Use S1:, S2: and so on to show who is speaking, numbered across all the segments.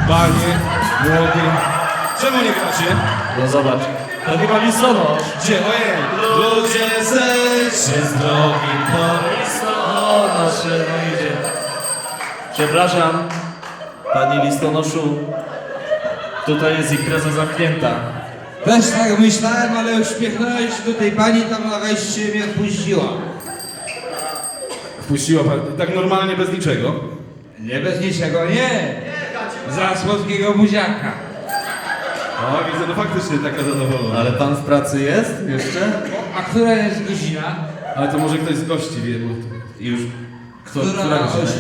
S1: Panie, młody. Czemu nie gracie?
S2: No zobacz, to chyba listonosz.
S1: Gdzie? Ojej! Ludzie zejdźcie z drogi,
S2: Listonosz, no idzie. Przepraszam, panie listonoszu. Tutaj jest impreza zamknięta.
S3: Też tak myślałem, ale uśmiechnąłem się do tej pani tam na wejściu i mnie wpuściła.
S1: Wpuściła pan tak normalnie, bez niczego?
S3: Nie bez niczego, nie. Za słodkiego buziaka.
S1: O, widzę, no faktycznie taka zadowolona.
S2: Ale pan w pracy jest jeszcze?
S3: A która jest godzina?
S1: Ale to może ktoś z gości wie, bo już... Która godzina jest?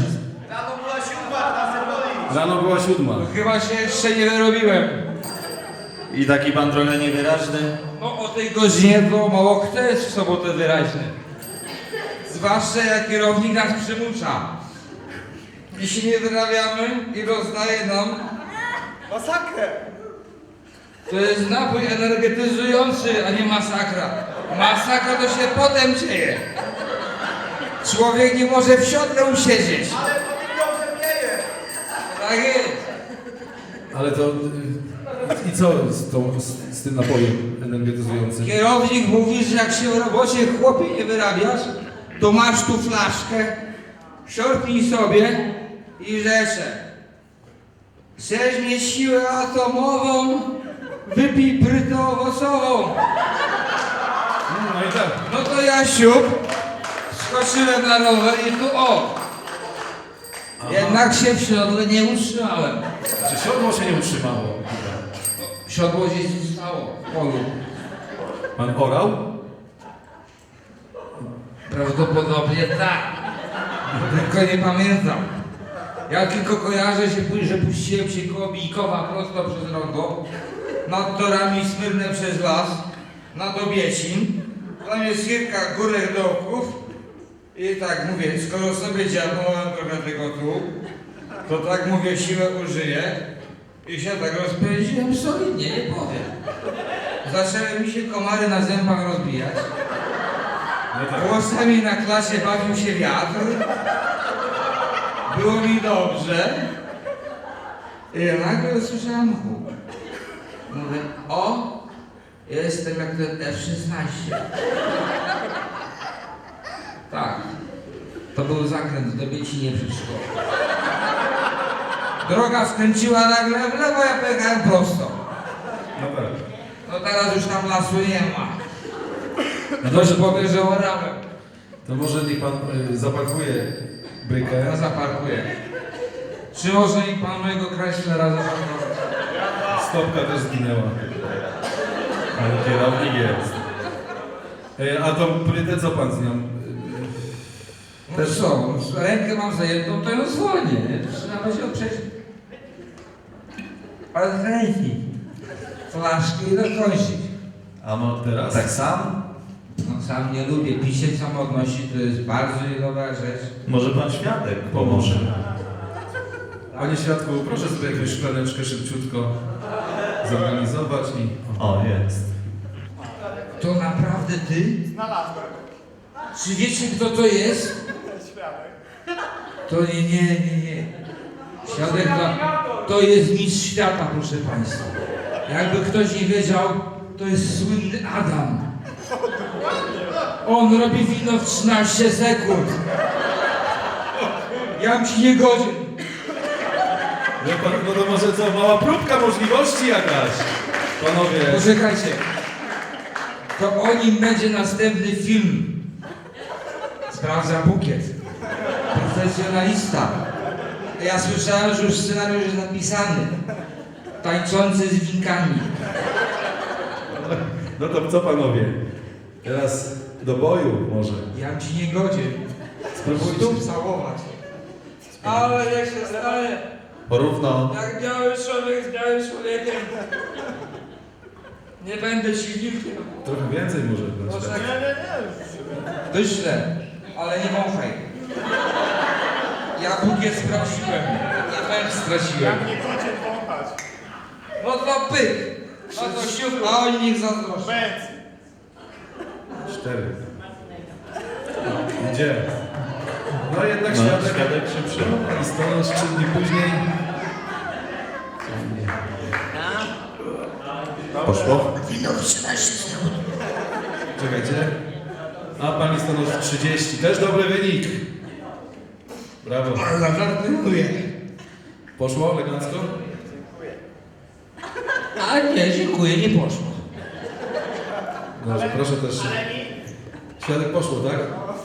S1: Rano była 7.
S3: Chyba się jeszcze nie wyrobiłem.
S2: I taki pan trochę niewyraźny.
S3: No o tej godzinie to mało kto jest w sobotę wyraźny. Zwłaszcza jak kierownik nas przymusza. Jeśli nie wyrabiamy i rozdaje nam...
S4: Masakrę!
S3: To jest napój energetyzujący, a nie masakra. Masakra to się potem dzieje. Człowiek nie może w siodle usiedzieć.
S4: Ale powiedział, że pieje!
S3: Tak jest.
S1: Ale to... I co z tym napojem energetyzującym?
S3: Kierownik mówi, że jak się w robocie chłopie nie wyrabiasz, to masz tu flaszkę, siorpnij sobie i rzecze. Chcesz mieć siłę atomową, wypij prytę owocową.
S1: No i tak.
S3: No to ja siup, skoczyłem na rower i tu o. Jednak się w siodle nie utrzymałem.
S1: Czy siodło się nie utrzymało?
S3: Siodło gdzieś zostało w polu.
S1: Pan orał?
S3: Prawdopodobnie tak. Tylko nie pamiętam. Ja tylko kojarzę się, że puściłem się koło Bijkowa prosto przez rondo, nad torami Smyrne przez las, nad Obiecin. Tam jest kilka górek dołków. I tak mówię, skoro sobie dziabnąłem trochę tego tu, to tak mówię, siłę użyję. I się tak rozpędziłem solidnie, nie powiem. Zaczęły mi się komary na zębach rozbijać. Głosami na klasie bawił się wiatr. Było mi dobrze. I nagle usłyszałem huk. Mówię, o, jestem jak ten F-16. Tak, to był zakręt do Biecinie przed szkołą. Droga skręciła nagle w lewo, ja pojechałem prosto.
S1: No tak.
S3: No teraz już tam lasu nie ma. Ktoś powie, że orałem.
S1: To może niech pan zapakuje
S3: Ja
S1: bykę.
S3: zaparkuję. Czy może mi pan mojego Chryslera zaparkować?
S1: Stopka też zginęła. Ale kierownik jest. A tą prytę co pan z nią?
S3: No co, rękę mam zajętą, to ją zwolnię, nie? To trzeba będzie oprzeć. Ale z ręki. Flaszki i dokończyć.
S2: A mo
S1: Teraz?
S2: tak sam?
S3: No sam nie lubię. Pisie samotności to jest bardzo niedobrá rzecz.
S2: Może pan świadek pomoże.
S1: Panie świadku, proszę sobie jakąś szklaneczkę szybciutko zorganizować i...
S2: O, jest.
S3: To naprawdę ty?
S4: Znalazłem.
S3: Czy wiecie, kto to jest?
S4: Świadek.
S3: To nie. Świadek to jest mistrz świata, proszę państwa. Jakby ktoś nie wiedział, to jest słynny Adam. On robi wino w 13 sekund. Ja bym ci nie godzien.
S1: No to może co, mała próbka możliwości jakaś? Panowie...
S3: Poczekajcie. To o nim będzie następny film. Sprawdza bukiet. Profesjonalista. Ja słyszałem, że już scenariusz jest napisany. Tańczący z winkami.
S1: No to co panowie? Teraz do boju może.
S3: Ja ci nie godzę.
S1: Spróbujcie.
S3: Stóp całować. Ale jak się stanie,
S2: Porówno.
S3: jak biały człowiek z białym człowiekiem. Nie będę ci wilkiem.
S1: Trochę więcej może dać.
S3: Poczekaj.
S4: Nie.
S3: Wyślę, ale nie wąchaj. Ja bukiet straciłem. Ja też straciłem.
S4: Jak nie chcecie wąchać.
S3: No to pyk. No to siup, a oni niech zazdroszczą.
S4: Bez.
S1: 4. Gdzie? No jednak
S2: No,
S1: świadek
S2: świadek się przyjął.
S1: listonosz 3 dni później
S2: Poszło?
S1: Czekajcie. A pan listonosz 30. Też dobry wynik. Brawo.
S3: Ale żartuję.
S1: Poszło elegancko?
S3: A nie, dziękuję, nie poszło.
S1: Dobrze, proszę też. Świadek poszło, tak?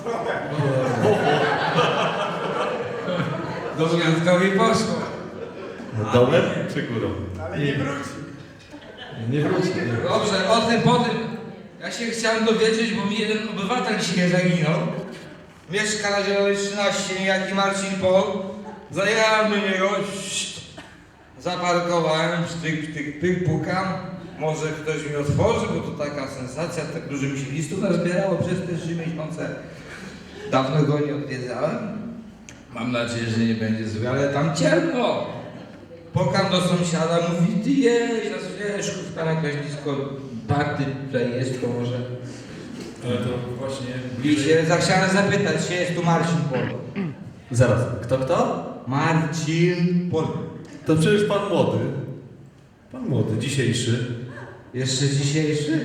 S3: Do Świadkowi poszło.
S2: Dołem czy górą?
S4: Ale nie wróci.
S1: Nie wróci. Nie.
S3: Dobrze, o tym, po tym. Ja się chciałem dowiedzieć, bo mi jeden obywatel dzisiaj zaginął. Mieszka na Zielonej 13, niejaki Marcin Pol. Zajechałem do niego, zaparkowałem, sztyk, pukam. Może ktoś mi otworzy, bo to taka sensacja, tak dużo mi się listów nazbierało przez te 3 miesiące. Dawno go nie odwiedzałem. Mam nadzieję, że nie będzie zły, ale tam ciemno. Pukam do sąsiada, mówi, ty jedź, wiesz, tam jakaś blisko party tutaj jest, to może...
S1: Ale to właśnie
S3: I się chciałem zapytać się, jest tu Marcin Pol.
S2: Zaraz, kto?
S3: Marcin Pol.
S2: To przecież pan młody.
S1: Pan młody, dzisiejszy.
S3: Jeszcze dzisiejszy?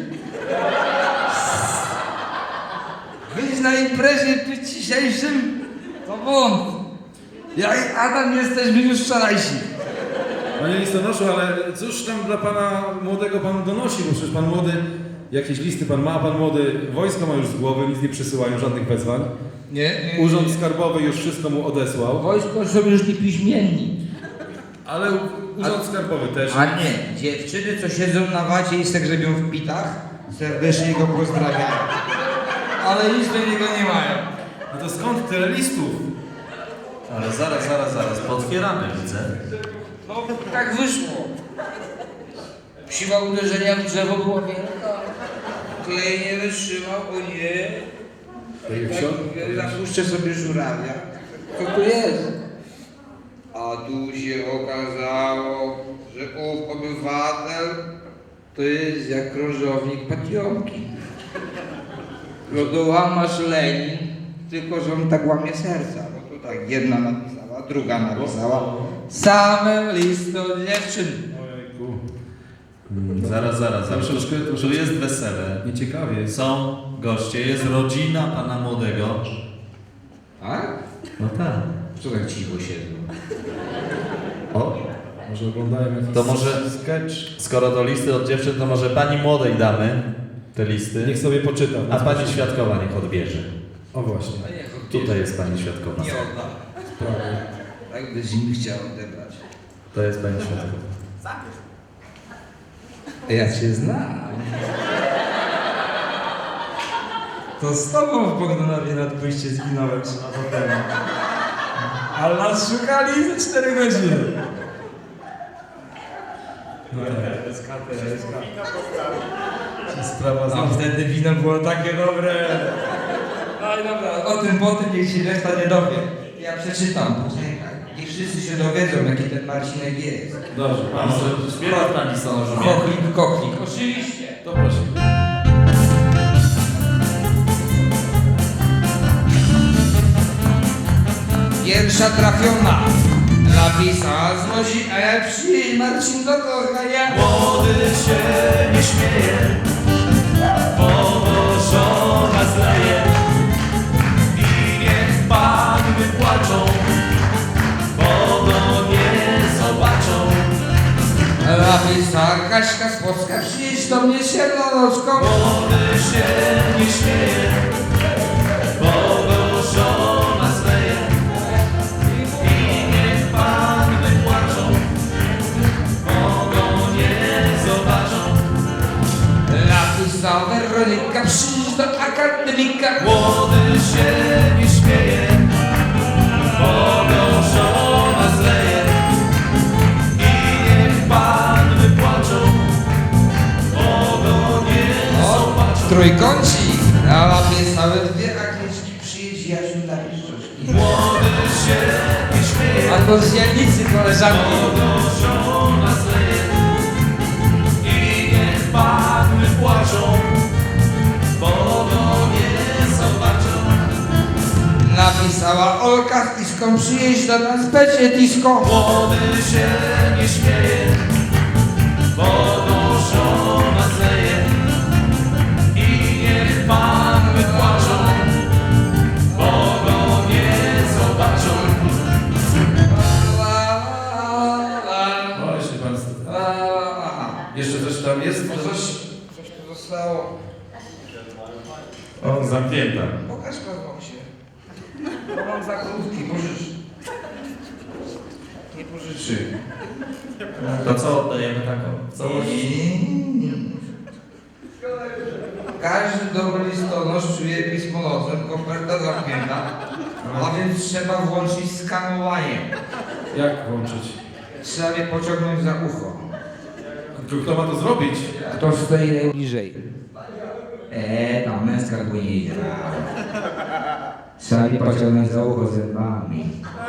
S3: Być na imprezie być dzisiejszym? To błąd. Ja i Adam jesteśmy już wczorajsi.
S1: Panie listonoszu, ale cóż tam dla pana młodego pan donosi? Bo przecież pan młody, jakieś listy pan ma, pan młody wojsko ma już z głowy, nic nie przysyłają, żadnych wezwań.
S3: Nie.
S1: Urząd Skarbowy już wszystko mu odesłał.
S3: Wojsko są już niepiśmienni.
S1: Ale Urząd Skarbowy też.
S3: A nie, dziewczyny co siedzą na wacie i se grzebią w pitach, serdecznie go pozdrawiają. Ale nic do niego nie mają.
S1: No to skąd tyle listów?
S2: Ale zaraz, potwieramy, widzę.
S3: No tak wyszło. Siła uderzenia w drzewo była wielka. Klej nie wytrzymał, o nie. Tak, zapuszczę sobie żurawia. Co tu jest? A tu się okazało, że ów obywatel to jest jak krążownik Patiomki. Lodołamasz Lenin, tylko że on tak łamie serca. Bo to tak jedna napisała, druga napisała. Same listy od dziewczyn.
S1: Ojejku.
S2: Zaraz.
S1: Troszeczkę
S2: Tu jest wesele.
S1: nieciekawie jest.
S2: Są goście, jest rodzina pana młodego.
S3: Tak?
S2: No tak.
S3: Co tak cicho siedzą?
S2: O,
S1: Może oglądają jakiś
S2: to może,
S1: sketch.
S2: skoro to listy od dziewczyn, to może pani młodej damy te listy,
S1: Niech sobie poczyta.
S2: a pani świadkowa niech odbierze.
S1: O właśnie.
S2: Tutaj jest pani świadkowa.
S3: Nie odda.
S1: Prawie.
S3: Tak byś im chciał odebrać.
S2: To jest pani świadkowa.
S3: Ja cię znam. To z tobą w Bogdanowie nad pójście zginąłem 3 lata temu. Ale nas szukali za 4 godziny.
S1: No tak.
S3: SK.
S4: Wino postawił.
S1: Sprawa
S3: Tam
S1: z...
S3: wtedy wino było takie dobre. No i dobra, o tym po tym niech się reszta nie dowie. Ja przeczytam, poczekaj. Niech wszyscy się dowiedzą, jaki ten Marcinek jest.
S1: Dobrze.
S2: A może śpiewa pani stolarzu?
S3: Koklik. Oczywiście.
S1: To prosimy.
S3: Pierwsza trafiona. Napisała znosi, a ja przyjdź Marcin do kochania.
S2: Młody się nie śmieje, powożona zleje i niech panny płaczą, bo go nie zobaczą.
S3: Napisała Kaśka z Płocka, przyjdź do mnie Siernonoczką.
S2: Młody się nie śmieje, powożona zleje i niech panny płaczą, bo go nie zobaczą.
S3: Napisała Weronika, przyjdź do akademika.
S2: Młody się nie śmieje, bo go żona zleje i niech panny płaczą, bo go nie zobaczą.
S3: Trójkącik. Napisały 2 Agnieszki, przyjdź Jasiu na piszczoszki.
S2: Młody się nie śmieje,
S3: A to z Janicy koleżanki.
S2: bo go żona zleje i niech panny płaczą, bo go nie zobaczą.
S3: Napisała Olka z Iską, przyjedź do nas, będzie disco.
S2: Młody się nie śmieje,
S1: Jeszcze coś tam jest?
S3: Coś tu zostało.
S2: O, zamknięta.
S3: Pokaż się. Bo mam za krótki, pożycz. Nie pożyczy.
S2: To co oddajemy taką? Całości?
S3: Każdy dobry listonosz czuje pismo nosem, koperta zamknięta, a więc trzeba włączyć skanowanie.
S1: Jak włączyć?
S3: Trzeba mnie pociągnąć za ucho.
S1: Kto ma to zrobić?
S3: Kto stoi najbliżej? Tam męska dłoń. Trzeba mnie pociągnąć za ucho zębami.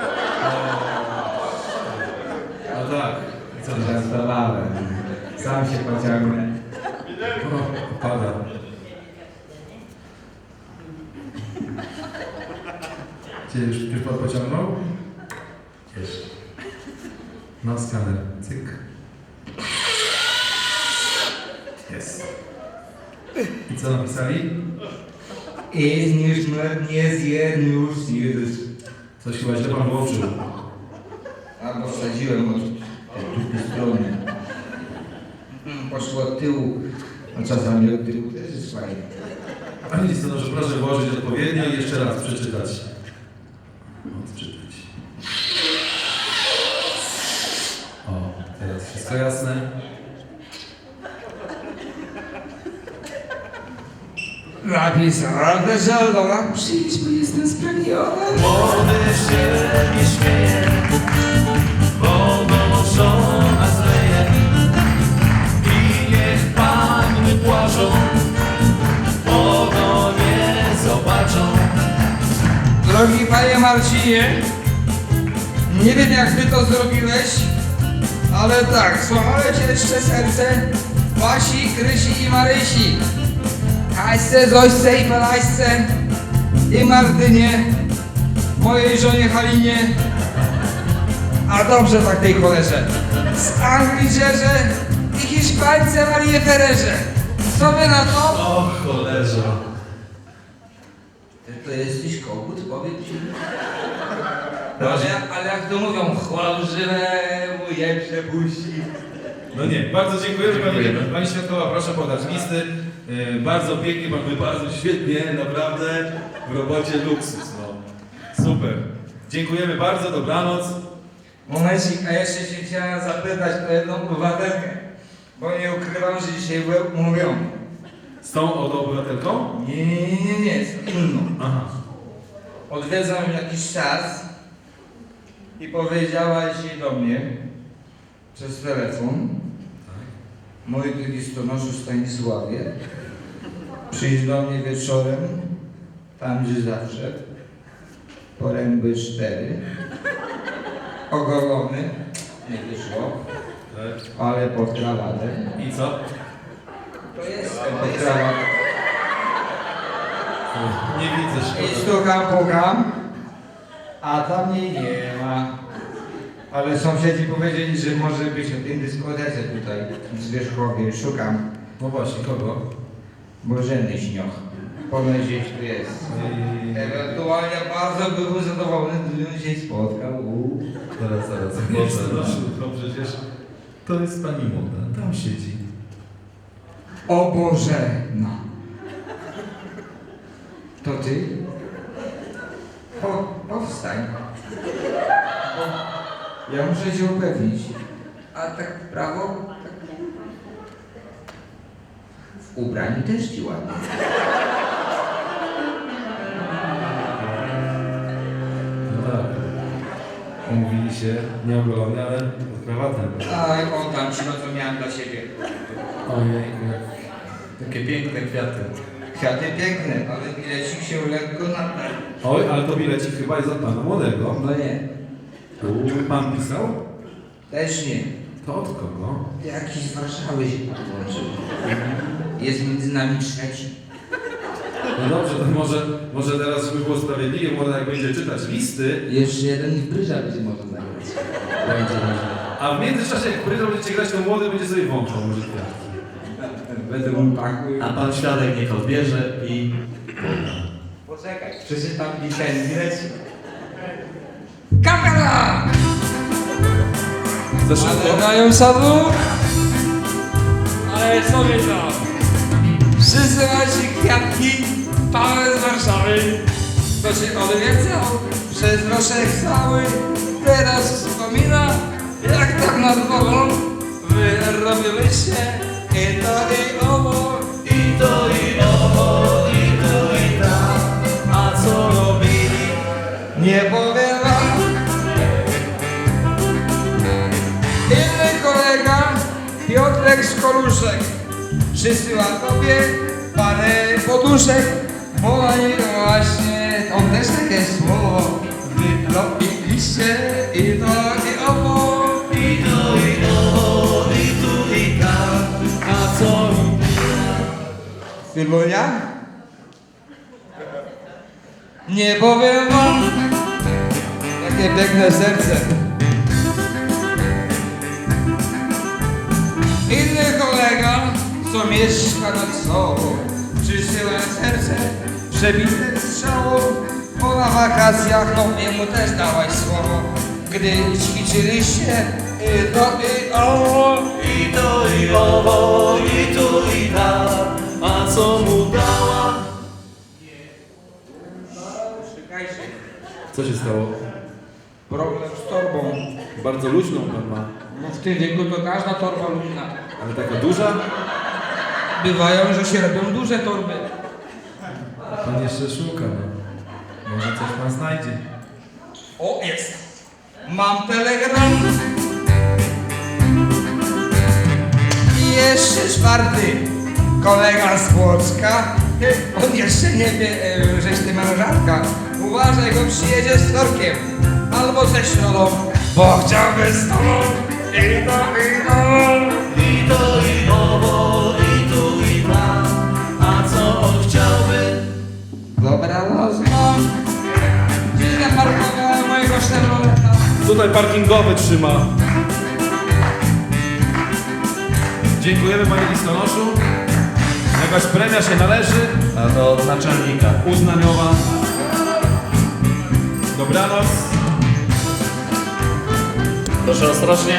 S1: No tak.
S3: Żartowałem. Sam się pociągnę.
S1: O, pada. Gdzie już pan pociągnął? Jeszcze. No skaner. Cyk. Jest. I co napisali?
S3: Jest nie zjedz już zjedz.
S1: Coś chyba źle pan włączył.
S3: Albo wsadziłem od drugiej strony. Poszło od tyłu. A czasami od tyłu też jest fajnie.
S1: Panie listonoszu, proszę włożyć odpowiednio i jeszcze raz przeczytać. Odczytać. O, teraz wszystko jasne.
S3: Napisane, że dobra, przyjdź, bo jestem spragniony.
S2: Młody się nie śmieje, wodą żona zleje. I niech panny płaczą, bo nie zobaczą.
S3: Drogi panie Marcinie, nie wiem jak ty to zrobiłeś, ale tak, złamałem cię jeszcze serce Basi, Krysi i Marysi. Kaśce, Zośce i Pelaśce i Martynie, mojej żonie Halinie, a dobrze tak tej cholerze, z Angliczerze i Hiszpańce Marię Fererze. Co wy na to?
S2: O cholerze.
S3: Ty to jesteś kogut, powiem ci. Ale jak to mówią, chłodrzywemu je przepuści.
S1: No nie, bardzo dziękujemy
S2: Dziękujemy.
S1: Pani Świadkowa, proszę podać listy. Bardzo pięknie, pan wypadł świetnie, naprawdę w robocie luksus. No. Super. Dziękujemy bardzo, dobranoc.
S3: Momencik, a jeszcze się chciałem zapytać o jedną obywatelkę, bo nie ukrywam, że dzisiaj byłem umówiony.
S1: Z tą oto obywatelką?
S3: Nie, z inną.
S1: Aha.
S3: Odwiedzam ją jakiś czas i powiedziała dzisiaj do mnie przez telefon: mój drogi listonoszu Stanisławie, przyjdź do mnie wieczorem, tam gdzie zawsze, poręby 4, ogolony, nie wyszło,
S1: Tak.
S3: ale pod krawatem.
S1: I co?
S3: To jestem pod krawatem.
S1: Nie widzę
S3: I
S1: szkoda.
S3: stukam, pukam, a tam jej nie ma. Ale sąsiedzi powiedzieli, że może być o tym dyskotece tutaj w Zwierzchowie. Szukam
S1: No właśnie, kogo?
S3: Bożeny Śnioch. Ponoć gdzieś tu jest. Ewentualnie bardzo byłbym zadowolony, gdybym się spotkał.
S2: Zaraz.
S1: Listonoszu, to przecież to jest pani młoda, tam siedzi.
S3: O Bożena. To ty? Powstań. Ja muszę się upewnić. A tak w prawo? W ubraniu też ci ładnie.
S1: No tak. Umówili się, nieogolony, ale pod krawatem.
S3: Aj, oddam ci, no co miałem dla siebie.
S1: Ojejku, jak...
S2: Takie piękne kwiaty.
S3: Kwiaty piękne, ale bilecik się lekko natarł.
S1: Oj, ale to bilecik chyba jest od pana młodego.
S3: No nie,
S1: Pan pisał?
S3: też nie.
S1: To od kogo?
S3: Jakiś z Warszawy się podłączył. Jest między nami trzeci.
S1: No dobrze, to może teraz, żeby było sprawiedliwie, młoda jak będzie czytać listy,
S3: Jeszcze jeden w bryża będzie można zagrać.
S1: a w międzyczasie jak pryzą będziecie grać, to młody będzie sobie wąchał może kwiatki.
S3: Będę mu pakuł.
S2: A pan świadek niech odbierze i...
S3: Poczekaj, przeczytam mi ten bilecik. Kamera!
S1: Za szybko?
S3: Ale dają sadu?
S5: ale sobie to.
S3: Przysyła ci kwiatki,
S5: Paweł z Warszawy.
S3: to się odwiedzał przez roszek cały. Teraz wspomina, jak tak nad wodą wy robiliście i to i owo.
S2: I to i owo, i tu i tam. A co robili?
S3: Nie powiem wam. Inny kolega, Piotrek z Koluszek, przysyła tobie parę poduszek. Mowa nie właśnie, on też takie słowo. Wy robiliście i to i owo.
S2: I to i owo, i tu i tam. A co
S3: Sylwonia? Nie powiem wam. Takie piękne serce. Inny kolega, co mieszka nad sobą, przysyła serce przebite strzałą, bo na wakacjach no jemu też dałaś słowo, gdy ćwiczyliście i to i owo.
S2: I to i owo, i tu i tam. A co mu dała?
S3: Czekajcie,
S1: Co się stało?
S3: problem z torbą.
S1: Bardzo luźną pan ma.
S3: No w tym wieku to każda torba luźna.
S1: Ale taka duża?
S3: Bywają, że się robią duże torby.
S1: Pan jeszcze szuka, no. Może coś pan znajdzie.
S3: O, jest. Mam telegram. I jeszcze czwarty. Kolega z Płocka. On jeszcze nie wie, żeś ty mężarka. Uważaj, go przyjedzie z torkiem. Albo ze środą, bo chciałby z tobą. I to, i to.
S2: I to i owo, i tu i tam. A co on chciałby?
S3: Dobranoc, mam. Gdzieś zaparkowałem mojego Chevroleta.
S1: Tutaj parkingowy trzyma. Dziękujemy panie listonoszu. Jakaś premia się należy.
S2: A to od naczelnika.
S1: Uznaniowa. Dobranoc.
S2: Proszę ostrożnie.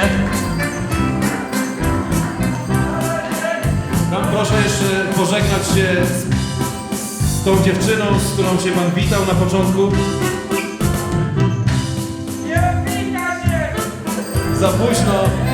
S1: Tam proszę jeszcze pożegnać się z tą dziewczyną, z którą się pan witał na początku.
S5: Nie wpika się!
S1: Za późno.